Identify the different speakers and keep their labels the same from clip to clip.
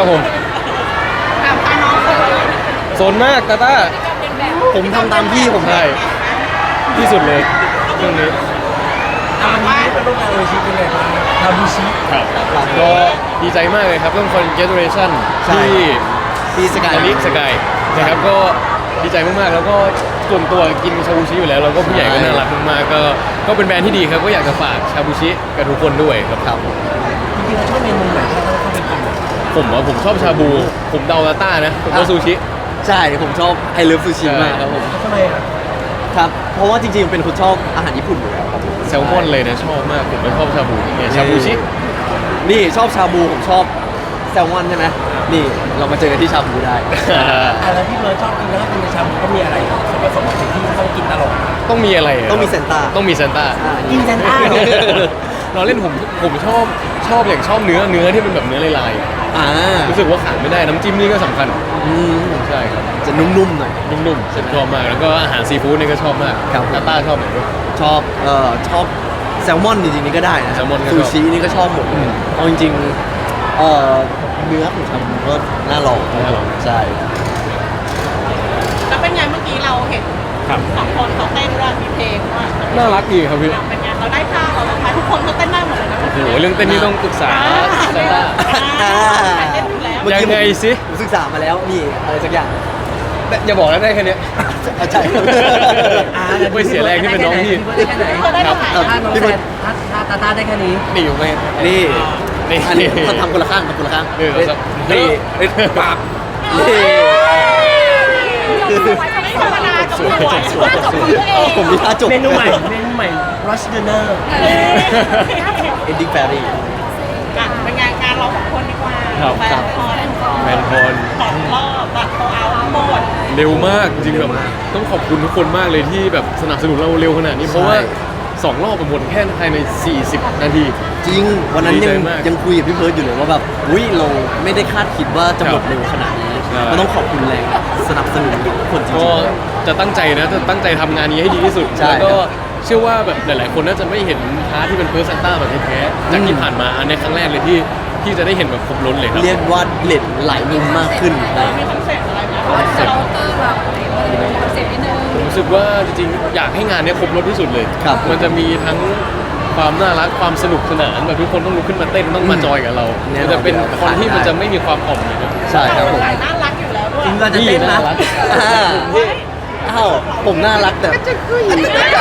Speaker 1: ครับผม
Speaker 2: ถามพาน้องเลย
Speaker 1: โซนมากตาต้า
Speaker 3: ผมทำตามพี่ผม
Speaker 1: ใช่ที่สุดเลยเรื่องนี้
Speaker 4: วันนี้เป็นร่วมงานโอชิเป็นไงบ้างทาบูชิ
Speaker 1: ครับก็ดีใจมากเลยครับเรื่อง Congratulation ที่
Speaker 3: พี่สกาย
Speaker 1: ลิสกายนะครับก็ดีใจมากๆแล้วก็ส่วนตัวกินชาบูชิอยู่แล้วเราก็ผู้ใหญ่ก็น่ารักมากๆก็เป็นแบรนด์ที่ดีครับก็อยากจะฝากชาบูชิกับทุกคนด้วยครับ
Speaker 3: ครับ
Speaker 4: จริงๆเราชอบเมนูไหนที่เราเข้าไปกิน
Speaker 1: ผมชอบชาบูผมเดาตาต้านะผมว่าซูชิ
Speaker 3: ใช่ผมชอบไอเลิฟซูชิมากครับผม
Speaker 4: ทำไมอ่ะ
Speaker 3: ครับเพราะว่าจริงๆเป็นคนชอบอาหารญี่ปุ่นอยู่แล้วครับผม
Speaker 1: แซลมอนเลยนะชอบมากผมไม่ชอบชาบูเนี่ยชาบูชิ
Speaker 3: นี่ชอบชาบูผมชอบแซลมอนใช่ไหมนี่เรามาเจอกันที่ชาบูได้
Speaker 4: แล้วที่เราชอบกินแล้วก็กินในชาบูก็มีอะไรส่วนผสมของสิ่งที่ต้องกินตลอด
Speaker 1: ต้องมีอะไระ
Speaker 3: ต้องมีเซนต้า
Speaker 1: ต้องมีเซนต้า
Speaker 4: กินเซนต้า
Speaker 1: เราเล่นผมชอบอย่างชอบเนื้อที่เป็นแบบเนื้อลาย
Speaker 3: อ่า
Speaker 1: ๆรู้สึกว่าขาดไม่ได้น้ำจิ้มนี่ก็สำคัญ
Speaker 3: อืม
Speaker 1: ใช่ครับ
Speaker 3: จะนุ่มๆหน่อย
Speaker 1: นุ่มๆชอบมากแล้วก็อาหารซีฟู้ดนี่ก็ชอบมาก
Speaker 3: ครับ
Speaker 1: ตาต้าชอบไหนด้วย
Speaker 3: ชอบแซลมอนจริงๆนี่ก็ได้นะ
Speaker 1: แซลมอนก็ช
Speaker 3: ซู
Speaker 1: อบ
Speaker 3: ชินี่ก็ชอบหมดเอาจริงๆเนื้อของชาบูก็น่าลองใช่
Speaker 2: แล้วเป็นไงเมื่อกี้เราเห็น
Speaker 1: ครับ
Speaker 2: สองคนเขาเต้นด้วยมีเพลงด้วย
Speaker 1: น่ารักดีครับพี่
Speaker 2: เป็นไงเราได้ท่าเราลงไปทุกคนเขาเต้นได้หมดเลยนะ
Speaker 1: โอ้โหเรื่องเต้นนี่ต้องปรึกษาเซนต้า
Speaker 2: เต้นอยู่แล้ว
Speaker 3: เมื่อกี้
Speaker 1: ยังไงสิ
Speaker 3: ผมศึกษามาแล้วนี่อะไรสักอย่าง
Speaker 1: อย่าบอกนะได้แค่เนี้ย
Speaker 3: ใช่
Speaker 1: ไม่เสียแรงที่เป็นน้องพี่
Speaker 4: ได้แค่ไหน
Speaker 2: เขาได้เท่าไหร่
Speaker 3: ครับ
Speaker 4: ถ้าน้องแซนถ้าตาตาได้แค่นี้
Speaker 1: นี่อยู่ไหม
Speaker 3: นี่
Speaker 1: นี่
Speaker 3: อันนี้เขาทำคนละข้างทำคนละข้าง
Speaker 1: นี่เราจะ
Speaker 3: นี่ปากนี่
Speaker 2: ไม่ธรรมดากับหัวท่าจบของตัวเอง
Speaker 3: ผมมีท่าจบ
Speaker 4: เมนูใหม่ rush dinner
Speaker 3: ending fairy
Speaker 2: เป็นงานเราสองคนดีกว่า
Speaker 1: ครับ
Speaker 2: แฟนคอน
Speaker 1: แมนพร
Speaker 2: ตัดรอบตัดโตเอาหมด
Speaker 1: เร็วมากจริงๆแบบต้องขอบคุณทุกคนมากเลยที่แบบสนับสนุนเราเร็วขนาดนี้เพราะว่า2 รอบไปหมดแค่ภายใน40 นาที
Speaker 3: จริงวันนั้น
Speaker 1: ดีใจ
Speaker 3: ยัง
Speaker 1: มาก
Speaker 3: ยังคุยกับพี่เพิร์ดอยู่เลยว่าแบบอุ้ยเราไม่ได้คาดคิดว่าจะหมด
Speaker 1: ครับ
Speaker 3: เร็วขนาดนี้
Speaker 1: ใช่
Speaker 3: ก็ต้องขอบคุณแรงสนับสนุนทุกคนจริ
Speaker 1: ก็
Speaker 3: ง
Speaker 1: จะตั้งใจนะจะตั้งใจทำงานนี้ให้ดีที่สุด
Speaker 3: ใช่
Speaker 1: แล้วก็เชื่อว่าแบบหลาย ๆ คนน่าจะไม่เห็นพาร์ทที่เป็นเพิร์ซันต้าแบบแท้ๆจากที่ผ่านมาอันในครั้งแรกเลยที่จะได้เห็นแบบครบล้นเลยครับ
Speaker 3: เรียกว่าเล็ดหลายมุมมากขึ้นนะ
Speaker 2: มีคอนเซ็ปต์อะไรไหม
Speaker 1: เราผมรู้สึกว่าจริงๆอยากให้งานเนี้ยครบรถที่สุดเลย
Speaker 3: ครับ
Speaker 1: มันจะมีทั้งความน่ารักความสนุกสนานแบบทุกคนต้องลุกขึ้นมาเต้นต้องมาจอยกับเรา
Speaker 3: แน่นอน
Speaker 1: มันจะเป็น
Speaker 3: อยู่แล้ว
Speaker 1: คนที่
Speaker 3: ขาดไม่
Speaker 1: มัน
Speaker 3: ได้
Speaker 1: จะไม่มีความอ่อมเลยนะ
Speaker 3: ใช่ครับผม
Speaker 2: น่ารักอยู่แล้วด้วย
Speaker 4: จริงเราจะเต้น
Speaker 1: นี่
Speaker 4: นะ
Speaker 1: น่ารัก
Speaker 3: อ่าอ้าวผมน่ารักแต่อันนี้ก็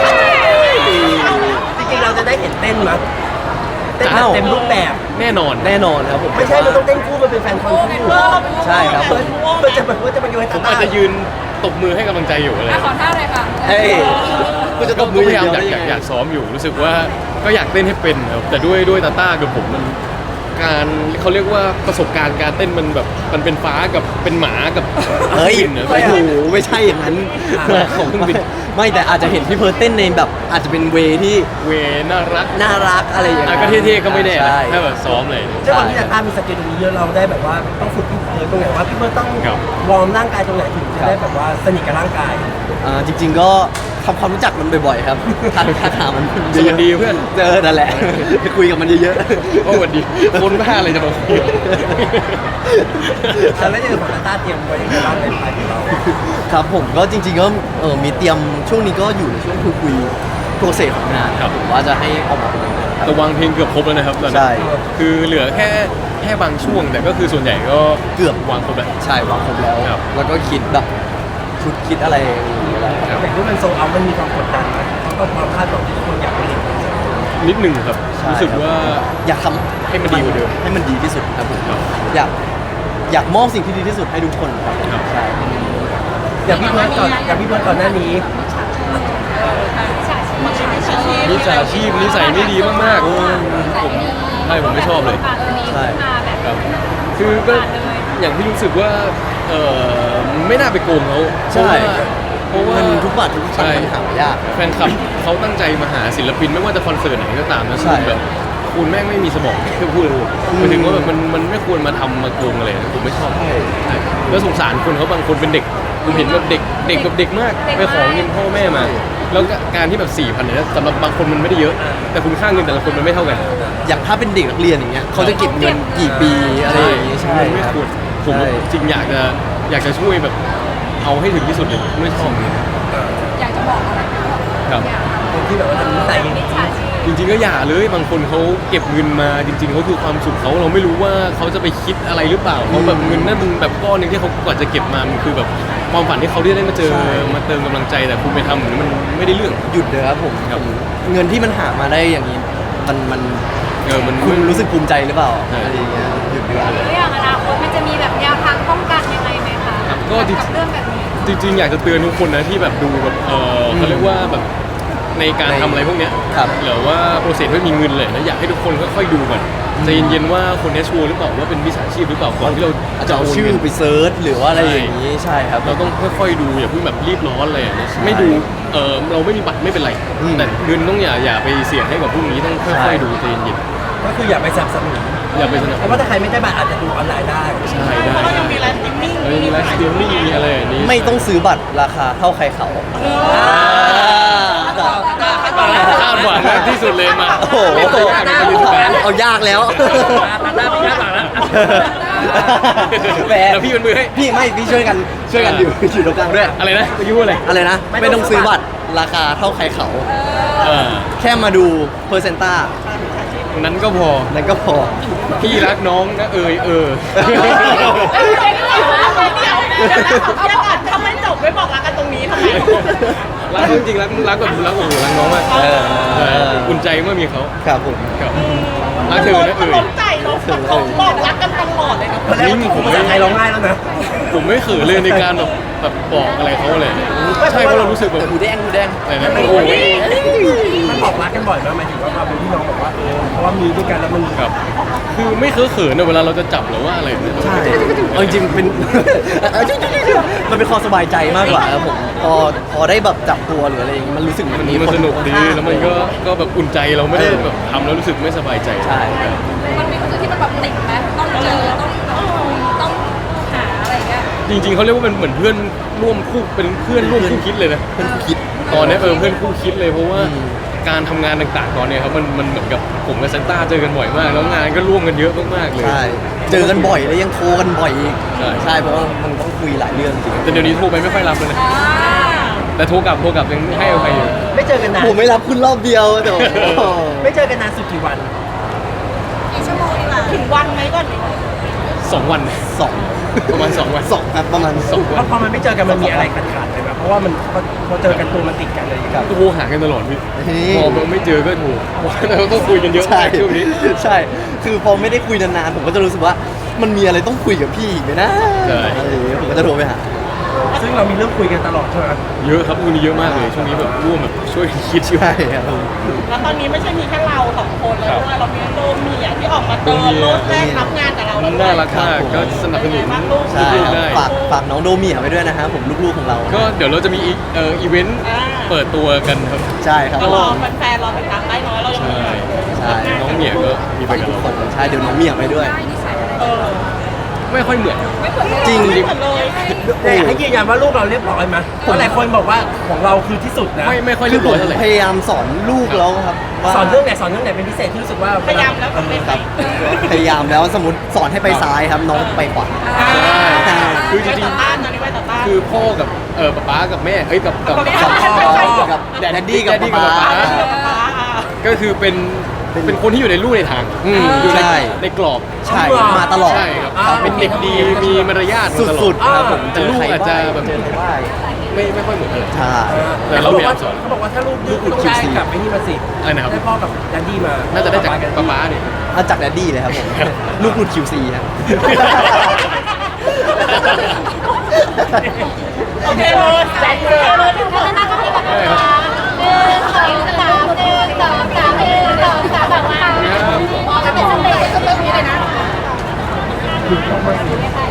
Speaker 4: จริงๆเราจะได้เห็นเต้นมั้ยเต้นแบบเต็มรูปแบบ
Speaker 1: แน่นอน
Speaker 3: แน่นอนครับผม
Speaker 4: ไม่ใช่มันต้องเต้นคู่มันเป็นแฟนคอนคู่
Speaker 3: ใช่ครับผม
Speaker 4: มันจะแบบว่าจะมาโยน
Speaker 1: ผ
Speaker 4: ตาม
Speaker 1: อาจจะยืนตบมือให้กำลังใจอยู่อะไร
Speaker 5: ขอท่าเลยค่ะ
Speaker 3: เฮ้ยกูจะต
Speaker 1: ก็
Speaker 3: บ
Speaker 1: พ
Speaker 3: มืออย
Speaker 1: ายาม
Speaker 3: เดีวได้
Speaker 1: อยากซ้อมอยู่รู้สึกว่าก็อยากเต้นให้เป็นครับแต่ด้วยตาต้ากับผมมันการเขาเรียกว่าประสบการณ์การเต้นมันแบบมันเป็นฟ้ากับเป็นหมากับ
Speaker 3: เฮ้ย
Speaker 1: บินนะ
Speaker 3: โอ้โหไม่ใช่อย่างนั้น
Speaker 1: ของเครื่องบิน
Speaker 3: ไม่แต่อาจจะเห็นพี่เพิร์ดเต้นในแบบอาจจะเป็นเวที่
Speaker 1: เวน่ารัก
Speaker 3: น่ารักอะไรอย่าง
Speaker 1: อ่ะ
Speaker 3: เงี้ย
Speaker 1: ก็เท่ๆก็ไม่แน่นะ
Speaker 3: ใช่
Speaker 1: ถ้าแบบซ้อมเลย
Speaker 4: เจ้าของที่ตาตามีสเกลตรงนี้เยอะเราได้แบบว่าต้องฝึกพี่เพิร์ดตรงไหนว่าพี่เพิร์ดต้อง
Speaker 1: ครับ
Speaker 4: วอร์มร่างกายตรงไหนถึงจะได้แบบว่าสนิทกับร่างกาย
Speaker 3: จริง ๆ ก็ทำความรู้จักมันบ่อยๆครับทักหามัน
Speaker 1: สวัสดีเพื่อน
Speaker 3: เจอนั่นแหละคุยกับมันเยอะ
Speaker 1: โอ้สวัสดีคนบ้าอะไรจะมาคุย
Speaker 4: แล้วอย่างของตาตาเตรียมไว้ยังไงบ้างในภายของเรา
Speaker 3: ครับผมก็จริง ๆ ก็มีเตรียมช่วงนี้ก็อยู่ในช่วงคุยโปรเซสของงาน
Speaker 1: ครับ
Speaker 3: ผมว่าจะให้ออกมาเป็นยังไงครับ
Speaker 1: แต่วางเพลงเกือบครบแล้วนะครับตอนนี้
Speaker 3: ใช่
Speaker 1: คือเหลือแค่บางช่วง แต่ก็คือส่วนใหญ่ก็
Speaker 3: เกือบ
Speaker 1: วางครบแล้ว
Speaker 3: ใช่วางครบแล้ว
Speaker 1: ครับ
Speaker 3: แล้วก็คิดแบบชุดคิดอะไรอย่างเงี้ยแล้ว
Speaker 1: ครับ
Speaker 4: แต่ที่มันโซลเอาท์มันมีความกดดันนะเพราะความคาดหวังที่ทุกคนอยากไปเห็น
Speaker 1: นิดหนึ่งครับ
Speaker 3: ใช่
Speaker 1: รู้สึก
Speaker 3: ครับ
Speaker 1: ว่า
Speaker 3: อยากทำ
Speaker 1: ให้มันดีกว่าเดิม
Speaker 3: ให้มันดีที่สุดครับผม
Speaker 1: ครับ
Speaker 3: อยากมอบสิ่งที่ดีที่สุดให้ทุกคนครับ
Speaker 1: ครับ
Speaker 3: ใช่
Speaker 4: อย่างพี่เพิร์ดก่อนหน้านี้
Speaker 1: มิจฉาชีพนิสัยไม่ดีมากๆผมใช่ผมไม่ชอบเลย
Speaker 3: ใช่
Speaker 1: ครับคือก็อย่างที่รู้สึกว่าไม่น่าไปโกงเขาเพราะว่า
Speaker 3: มันทุกบาททุกสตางค์มันหายาก
Speaker 1: แฟนคลับเขาตั้งใจมาหาศิลปินไม่ว่าจะคอนเสิร์ตไหนก็ตามนะ
Speaker 3: ใช่
Speaker 1: คือแบบคคุณแม่งไม่มีสมองที่พูดเลยหมายถึงว่าแบบมันไม่ควรมาทำมาโกงอะไรผมไม่ชอบใช่แล้วสงสารคนเขาบางคนเป็นเด็กผมเห็นแบบเด็กแบบเด็กมากไปขอเงินพ่อแม่มา แล้วการที่แบบ4,000เนี่ยสำหรับบางคนมันไม่ได้เยอะ แต่คุณค่าเงินแต่ละคนมันไม่เท่ากัน
Speaker 3: อย่างถ้าเป็นเด็กนักเรียนอย่างเงี้ยเขาจะเก็บเงินกี่ปีอะไรอย่างงี้ใช่
Speaker 1: มันไม่ควรผม
Speaker 3: ใช่
Speaker 1: จริงอยากจะช่วยแบบเอาให้ถึงที่สุดเลยไม่ชอบเลย
Speaker 5: อยากจะบอกอะไรไหมว่า
Speaker 1: ครับ
Speaker 5: อย่าทำ
Speaker 4: คนที่แบบว่าทำนิสัย
Speaker 5: มิจฉาชีพ
Speaker 1: จริงๆก็อย่าเลยบางคนเขาเก็บเงินมาจริงๆเขาคือความสุขเขาเราไม่รู้ว่าเขาจะไปคิดอะไรหรือเปล่าเขาแบบเงินนั่นมันแบบก้อนหนึงที่เขากว่าจะเก็บมามันคือแบบความฝันที่เขาได้มาเจอมาเติมกำลังใจแต่คุณไปทำเหมือนมันไม่ได้เรื่อง
Speaker 3: หยุดเลยครับผม
Speaker 1: ครับ
Speaker 3: เงินที่มันหามาได้อย่างนี้มัน
Speaker 1: มัน
Speaker 3: คุณรู้สึกภูมิใจหรือเปล่า
Speaker 1: ใช่
Speaker 3: อะไรอย่างเงี้ยหยุดดีกว่า
Speaker 5: แล้วอย่างอนาคตมันจะมีแบบแนวทางป้องกันยังไงไหมคะ
Speaker 1: ครับก็จริง
Speaker 5: กับเรื่องแบบนี้
Speaker 1: จริงๆอยากจะเตือนทุกคนนะที่แบบดูแบบเขาเรียกว่าแบบในการทำอะไรพวกเนี้ย
Speaker 3: ครับ
Speaker 1: หรือว่าโปรเซสไม่มีเงินเลยนะอยากให้ทุกคนค่อยๆดูก่อนใจเย็นๆว่าคนนี้ชัวร์หรือเปล่าว่าเป็นมิจฉาชีพหรือเปล่าก่อนที่เรา
Speaker 3: อาจ
Speaker 1: จะ
Speaker 3: จะเอา
Speaker 1: โอน
Speaker 3: ชื่อ
Speaker 1: เงิน
Speaker 3: ไปเซิร์ชหรือว่าอะไรอย่างนี้ใช่ครับ
Speaker 1: เราต้องค่อยๆดูอย่าเพิ่งแบบรีบร้อนเลยไม่ดูเราไม่มีบัตรไม่เป็นไร
Speaker 3: อืม
Speaker 1: แต่เงินต้องอย่าไปเสี่ยงให้กับพวกนี้ต้องค่
Speaker 3: ใช่
Speaker 1: อยๆดูใจเย็น
Speaker 4: ก็คืออย่าไปสนับสนุน
Speaker 1: ๆอย่าไปสนับส
Speaker 4: เพ
Speaker 1: นุ
Speaker 4: ราะ
Speaker 1: น
Speaker 4: ว่าถ้าใครไม่ได้บัตรอาจจะดูออนไลน์ได้
Speaker 1: ใช่ได้
Speaker 2: เพราะเรายังมีไลฟ์สตรีมมิ่ง
Speaker 1: มีไลฟ์สตรีมมิ่งมีอะไรอย่างนี้
Speaker 3: ไม่ต้องซื้อบัตรราคาเท่าใครเขา
Speaker 1: คาดหวังมากที่สุดเลยมา
Speaker 3: โอ้โห
Speaker 1: ไม่เคยยากในการเรียนแบบ
Speaker 3: เอายากแล้ว
Speaker 4: ตัดหน้าไปคาดหวังแล้ว
Speaker 3: แหม
Speaker 1: แล้วพี่เป็นมือให้
Speaker 3: พี่ช่วยกันอยู่ตรงกลางด้วย
Speaker 1: อะไรนะเมื่อกี้พูดอะไร
Speaker 3: อะไรนะ ไม่ต้องซื้อบัตรราคาเท่าใครเขา
Speaker 1: เออ
Speaker 3: แค่มาดูเพอร์เซนต้า
Speaker 1: นั้นก็พอ
Speaker 3: นั่นก็พอ
Speaker 1: พี่รักน้องนะเดี๋ยว
Speaker 2: เดี๋ยวก่อนทำไมจบไม่บอกรักกันตรงนี้ทำไม
Speaker 1: รักเขาจริงๆรักแบบรักโอ้โหรักน้องมาก
Speaker 3: เออ
Speaker 1: ใช่อุ่นใจเมื่อมีเขา
Speaker 3: ครับผม
Speaker 1: ครับรักเธอนะ
Speaker 2: เขาล้มใจเราบอกรักกันตลอดเลยนะ
Speaker 4: ตอนแรกว่าภาษาไทยร้องไห้แล้วนะ
Speaker 1: ผมไม่เขินเลยในการแบบบอกอะไรเขาเลยใช่เพราะเรารู้สึกแบบ
Speaker 3: หูแดง
Speaker 1: อะไรนะโอ้ย
Speaker 4: มันบอกรักกันบ่อยมากหมายถึงว่าความเป็นพี่น้องบอกว่าเพราะว่ามีด้วยกันแล้วมัน
Speaker 1: ครับคือไม่เขินๆนะเวลาเราจะจับหรือว่าอะไรเนี่ย
Speaker 3: ใช่เอาจริงๆเป็น มันเป็นความสบายใจมากกว่าครับผมพอได้แบบจับตัวหรืออะไรอย่างงี้มันรู้สึกมันมี
Speaker 1: มัน
Speaker 3: คน
Speaker 1: สนุกดี
Speaker 3: ข้างๆ
Speaker 1: แล้วมันก็แบบอุ่นใจเราไม่ได้แบบทำแล้วรู้สึกไม่สบายใจ
Speaker 3: ใช่
Speaker 5: มันมีคนอื่นที่มันแบบติดไหมต้องเจอต้องคุยต้องหาอะไรอย่างเงี้ย
Speaker 1: จริงๆเขาเรียกว่าเป็นเหมือนเพื่อนร่วมคู่เป็นเพื่อนร่วมคู่คิดเลยนะ
Speaker 3: เพื่อนคิด
Speaker 1: ตอนนี้เพื่อนคู่คิดเลยเพราะว่า
Speaker 3: อืม
Speaker 1: การทำงานต่างๆตอนเนี้ยครับมันเหมือนกับผมกับเซนต้าเจอกันบ่อยมาก แล้วงานก็ร่วมกันเยอะมากๆเลย
Speaker 3: ใช่เจอกันบ่อยแล้วยังโทรกันบ่อยอีก
Speaker 1: ใช่
Speaker 3: ใช่เพราะว่ามันต้องคุยหลายเรื่องจริง
Speaker 1: แต่เดี๋ยวนี้โทรไปไม่ค่อยรับเลยนะแต่โทรกลับยังให้อภัยอยู่
Speaker 4: ไม่เจอกันนาน
Speaker 3: ผมไม่รับคุณรอบเดียวแต่โอ้โห
Speaker 4: ไม่เจอกันนานสุดกี่วัน
Speaker 5: กี่ชั่วโมงดีกว่า
Speaker 2: ถึงวันไหมก่อน
Speaker 1: 2 วัน
Speaker 3: สอง
Speaker 1: ประมาณ2 วัน
Speaker 3: สองครับประมาณ
Speaker 1: 2
Speaker 4: เพ
Speaker 1: วัน
Speaker 4: ราะพอมันไม่เจอกันมันมีอะไรขาดๆไปไหมเพราะว่ามันพอเจอกันตัวมันติดกันเลยครับ
Speaker 1: โทรหากันตลอดพี่
Speaker 3: นี่
Speaker 1: พอไม่เจอก็โทรเราต้องคุยกันเยอะ
Speaker 3: ใช่
Speaker 1: มากช่วงนี้
Speaker 3: ใช่ คือพอไม่ได้คุยนานๆผมก็จะรู้สึกว่ามันมีอะไรต้องคุยกับพี่อีกไหมนะ
Speaker 1: ใช่
Speaker 3: อะไรอย่างเงี้ยผมก็จะโทรไปหา
Speaker 4: ซึ่งเรามีเรื่องคุยกันตลอดใช่ไหม
Speaker 1: เยอะครับมีเยอะมากเลยช่วงนี้แบบร่วมแบบช่วยคิดอยู่
Speaker 3: ใช่ครับผม
Speaker 2: แล้วตอนนี้ไม่ใช่มีแค่เรา2 คนแล้วด้วยเรามีโดมเมียที่ออกมาเติมรถแรกรับงานกับเราแล้วด้วย
Speaker 1: น่ารักมากก็สนับสนุน
Speaker 3: ใช่
Speaker 1: ลูก
Speaker 3: ครับ
Speaker 1: ๆได้
Speaker 3: ฝากน้องโดเมียไปด้วยนะครับผมลูกๆของเรา
Speaker 1: ก็เดี๋ยวเราจะมีอีเวนต์เปิดตัวกันครับ
Speaker 3: ใช่ครับ
Speaker 2: ก็รอแฟนๆรอติดตามได้น้อยเรายังมี
Speaker 3: ใช่
Speaker 1: น้องเหมียก็มีไป
Speaker 3: ไป
Speaker 1: กับ
Speaker 3: ทุก
Speaker 1: เรา
Speaker 3: คนใช่เดี๋ยวน้องเมียไปด้วย
Speaker 5: ได้นิสัยอะไร
Speaker 2: เออ
Speaker 1: ไม่ค่อยเหมือน
Speaker 5: ไม่เปิด
Speaker 3: จริง
Speaker 2: ไม่เหมือนเลย
Speaker 4: แต่ให้ยืนยันว่าลูกเราเรียบร้อยไหมเพราะหลายคนบอกว่าของเราคือที่สุดนะ
Speaker 1: ไม่ค่อย
Speaker 3: คื
Speaker 1: เรี
Speaker 3: อย
Speaker 1: บ
Speaker 3: ผ
Speaker 1: ร้อย
Speaker 3: ม
Speaker 1: เท่าไหร่
Speaker 3: พยายามสอนลูกแล้วครับว่า
Speaker 4: สอนเรื่องไหนเป็นพิเศษที่รู้สึกว่า
Speaker 2: พยายามแล้วทำไม่
Speaker 3: ค
Speaker 2: ได้
Speaker 3: รับพยายามแล้วสมมติสอนให้ไปซ้ายครับน้องไปขวา
Speaker 1: คือจ
Speaker 2: ไว้
Speaker 1: ริ
Speaker 2: ต่
Speaker 1: ง
Speaker 2: อต้านนะนี่ไว้ต่อต้าน
Speaker 1: ๆคือพ่อกับป๊ากับแม่เอ้ยกับ
Speaker 3: กับแดดดี้กับ
Speaker 1: แดดดี้กับ
Speaker 3: ป๊า
Speaker 1: ป๊า ก็คือเป็นคนที่อยู่ในลู่ในทาง
Speaker 3: อืม
Speaker 1: อยู่ใน
Speaker 3: ใช่
Speaker 1: ในกรอบ
Speaker 3: ใช่มาตลอด
Speaker 1: ใช่ครับเป็นเด็กดีมีมารยาทมาตลอ
Speaker 3: สุดๆครับผม
Speaker 1: แต่ลูกอาจจะแบบ
Speaker 3: เจอใครบ้าง
Speaker 1: ไม่ค่อยเหมือนกัน
Speaker 3: ใช่
Speaker 1: แต่เราพยายามสอน
Speaker 4: เขาบอกว่าถ้าลูกดื้อต้องได้กลับไปนี่มาสิ
Speaker 1: อะไรนะครับ
Speaker 4: ได้พ่อกับดันดี้มา
Speaker 1: น่าจะได้จากป๊าๆเนี่ย
Speaker 3: เอาจากแดดดี้เลยครับผมลูกหลุด QC ครับ
Speaker 2: โอเคเลยใจเลย
Speaker 5: แล้วน่าจะมีแบบว่า1 2 3 1 2 3 1 2 3แบบว่าพอจะเป็นสเต็ปก็เริ่มนี้เลยนะ